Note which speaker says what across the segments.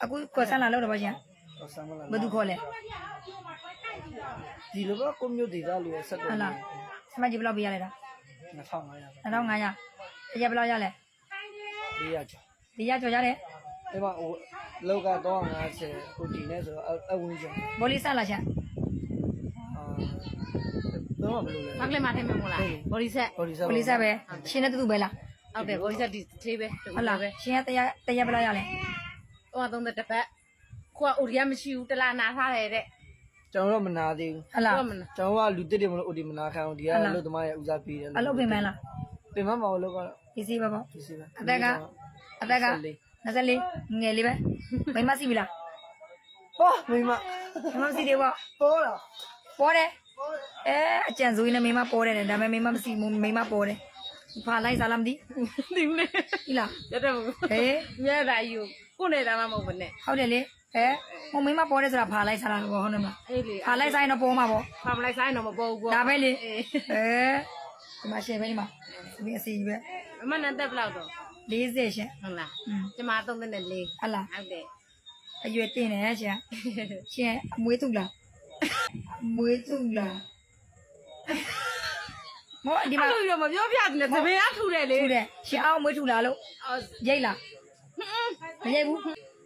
Speaker 1: အခုကောဆန်လာလို့တော့ဗျာ
Speaker 2: ဆမ်းမလား
Speaker 1: ဘယ်သူခေါ်လဲ
Speaker 2: ဒီလိုပဲကိုမျိုးဒေတာလူရဲ့ဆက်
Speaker 1: ဟု
Speaker 2: ကုန်
Speaker 1: တ်လားစမကြီးဘယ်လောက်ပေးရလဲတာ
Speaker 2: 2500
Speaker 1: 2500တရဘယ်လောက်ရလဲ
Speaker 2: 400ကျော်
Speaker 1: ဒီရကြော်ရတယ်
Speaker 2: ဒီမှာဟိုလောက်က350ဟိုဒီနဲ့ဆိုတော့အဝင်းကျော်
Speaker 1: ဘောလီဆက်လာချင်
Speaker 2: တော့ဘယ်လိုလဲ
Speaker 3: မကလေးမထိုင်မမို့လားဘော်ဒီဆက်
Speaker 2: ဘော်ဒီဆက်
Speaker 1: ဘောလီဆက်ပဲရှင်နဲ့တူတူပဲလား
Speaker 3: ဟုတ်တယ်ဘော်ဒီဆက်ဒီသေးပဲ
Speaker 1: ဟုတ်လားရှင်ကတရဘယ်လောက်ရလဲ
Speaker 3: ဟို30တစ်ပတ်ခွာအိုရီယာမရှိဘူးတလားနာထားတယ်တဲ့
Speaker 2: ကျွန်တော်တော့မနာသေးဘူး
Speaker 1: ဟုတ်လား
Speaker 2: ကျွန်တော်ကလူတစ်တွေမလို့အိုဒီမနာခံအောင်ဒီကအလုပ်သမားရဲ့ဦးစားပေးတယ်
Speaker 1: အလုပ်ပင်မလား
Speaker 2: ပင်မမအောင်လုပ်ကတော့
Speaker 1: ပစ္စည်းပဲပေါ့
Speaker 2: ဒီစီပဲ
Speaker 1: အသက်က24ငယ်လေးပဲမိမရှိပြီလား
Speaker 2: ဟောမိမ
Speaker 1: မိမရှိသေးပေါ့
Speaker 2: ပေါ်လား
Speaker 1: ပေါ်တယ်အကြံစိုးရင်းနဲ့မိမပေါ်တယ်ဒါပေမဲ့မိမမရှိမိမပေါ်တယ်ဖာလိုက်စားလားမသိ
Speaker 3: ဒီမလေး
Speaker 1: ဒီလား
Speaker 3: ရတဲ့ဘူး
Speaker 1: ဟေး
Speaker 3: မြဲတာယူကိုနေတာမှမဟုတ်ဘူးနဲ့
Speaker 1: ဟုတ်တယ်လေဟိုမိမပေါ်တယ်ဆိုတာဖာလိုက်စားလားဟုတ်တယ်မလား
Speaker 3: အေးလေ
Speaker 1: ဖာလိုက်စားရင်တော့ပေါ်မှာပေါ့
Speaker 3: ဖာမလိုက်ဆိုင်တော့မပေါ်ဘူး
Speaker 1: ဒါပဲလေ
Speaker 3: အေး
Speaker 1: ဒီမှာရှင်ပဲဒီမှာဒီအစီပဲ
Speaker 3: အမနဲ့တက်ဘလောက်တော့
Speaker 1: 40ရှင်
Speaker 3: ဟုတ်လား
Speaker 1: อืม
Speaker 3: ကျမ34
Speaker 1: ဟလာ
Speaker 3: ဟုတ်တယ်
Speaker 1: အရွယ်တင်တယ်ရှင်ရှင်အမွေးသူလားအမွေးသူလားမောဒီမှာ
Speaker 3: အဲ့လိုမပြောပြဘူးနဲ့သမင်အထူတယ်လေ
Speaker 1: ထူတယ်ရှင်အောင်မွေးထူလားလို့ရိတ်လားမရိတ်ဘူး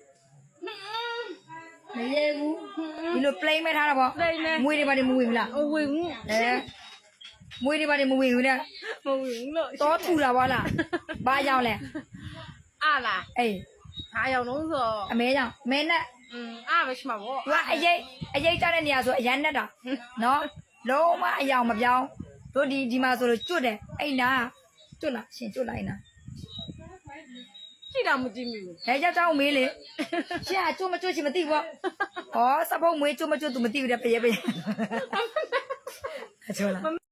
Speaker 1: မရိတ်ဘူးဒီလို plain ပဲထားတာပေါ့မွေးတွေပါနေမဝင်ဘူးလား
Speaker 3: ဟိုဝင်ဘူး
Speaker 1: မွေးတွေပါနေမဝင်ဘူးတဲ့
Speaker 3: မဝင်လို့
Speaker 1: တော့ထူလာပါလားဘာကြောင့်လဲ
Speaker 3: အားလား
Speaker 1: အေး
Speaker 3: အားရောက်လုံးဆို
Speaker 1: အမဲကြောင့်မဲနဲ့
Speaker 3: အားပဲရှိမှာပေါ့
Speaker 1: သူကအရေးကြတဲ့နေရာဆိုအရန်နဲ့တာနော်လုံးဝအယောင်မပြောင်းတို့ဒီမှာဆိုလို့ကျွတ်တယ်အဲ့နာကျွတ်လားရှင်ကျွတ်လိုက်နာ
Speaker 3: ကြည့်တော့မကြည့်မိဘူး
Speaker 1: ဒါကြောင့်တောင်းမေးလေရှင်ကကျွတ်မကျွတ်ရှင်မသိဘူးပေါ့ဟောစပုတ်မွေးကျွတ်မကျွတ်သူမသိဘူးတဲ့ပြေးပြေးအချိုးလား